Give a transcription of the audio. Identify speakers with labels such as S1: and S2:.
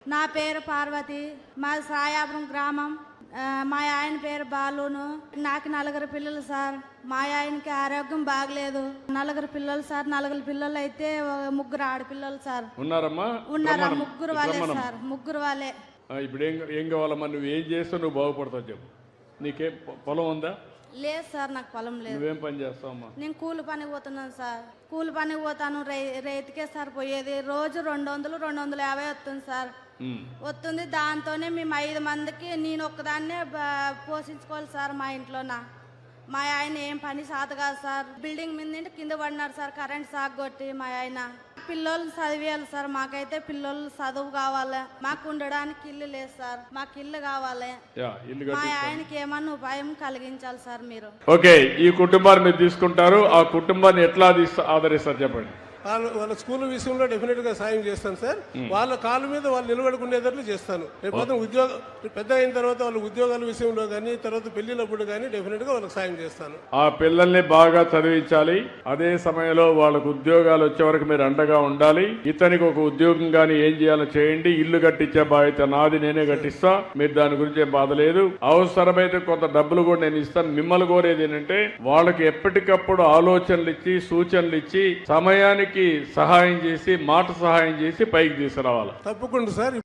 S1: నా పేరు పార్వతి, మాది సాయాపురం గ్రామం. మా ఆయన పేరు బాలును. నాకు 4 పిల్లలు సార్. మా ఆయనకి ఆరోగ్యం బాగలేదు. 4 పిల్లలు సార్. 4 పిల్లలు అయితే 3 ఆడపిల్లలు సార్.
S2: ఉన్నారమ్మా?
S1: ఉన్నారా? 3 వాళ్ళే సార్. 3 వాళ్ళే.
S2: ఇప్పుడు ఏం కావాలమ్మా? నువ్వు ఏం చేస్తే నువ్వు బాగుపడతావు చెప్పు. నీకేం పొలం ఉందా?
S1: లేదు సార్, నాకు పొలం లేదు.
S2: నువ్వేం పని చేస్తావమ్మా?
S1: నేను కూలి పనికి పోతున్నాను సార్. కూలి పనికి పోతాను. రైతుకే సార్ పోయేది. రోజు 200, 250 వస్తుంది సార్. వస్తుంది. దాంతోనే మేము 5 మందికి నేను ఒక్కదాన్నే పోషించుకోవాలి సార్. మా ఇంట్లోన మా ఆయన ఏం పని సాత కాదు సార్. బిల్డింగ్ మీద కింద పడినాడు సార్, కరెంట్ షాక్ కొట్టి. మా ఆయన పిల్లలు చదివేయాలి సార్. మాకైతే పిల్లలు చదువు కావాలి. మాకు ఉండడానికి ఇల్లు లేదు సార్. మాకు ఇల్లు కావాలి. మా ఆయనకి ఏమన్నా ఉపాయం కలిగించాలి సార్ మీరు.
S2: ఓకే, ఈ కుటుంబాన్ని మీరు తీసుకుంటారు. ఆ కుటుంబాన్ని ఎట్లా ఆదరిస్తారు చెప్పండి.
S3: వాళ్ళ స్కూల్ విషయంలో డెఫినెట్ గా సాయం చేస్తాను సార్. వాళ్ళ కాళ్ళ మీద వాళ్ళు నిలబడుకునేటట్లు చేస్తాను. రేపు ఉద్యోగం పెద్ద అయిన తర్వాత వాళ్ళ ఉద్యోగాల విషయంలో కానీ, తర్వాత పెళ్లినప్పుడు కానీ డెఫినెట్ గా వాళ్ళకి సాయం చేస్తాను.
S2: ఆ పిల్లల్ని బాగా చదివించాలి. అదే సమయంలో వాళ్ళకు ఉద్యోగాలు వచ్చే వరకు మీరు అండగా ఉండాలి. ఇతనికి ఒక ఉద్యోగం కానీ ఏం చేయాలో చేయండి. ఇల్లు కట్టించే బాధ్యత నాది, నేనే కట్టిస్తా. మీరు దాని గురించి ఏం బాధ లేదు. అవసరమైతే కొంత డబ్బులు కూడా నేను ఇస్తాను. మిమ్మల్ని కోరేది ఏంటంటే వాళ్ళకి ఎప్పటికప్పుడు ఆలోచనలు ఇచ్చి, సూచనలు ఇచ్చి, సమయానికి సహాయం చేసి, మాట సహాయం చేసి పైకి తీసుకురావాలి.
S3: తప్పకుండా సార్.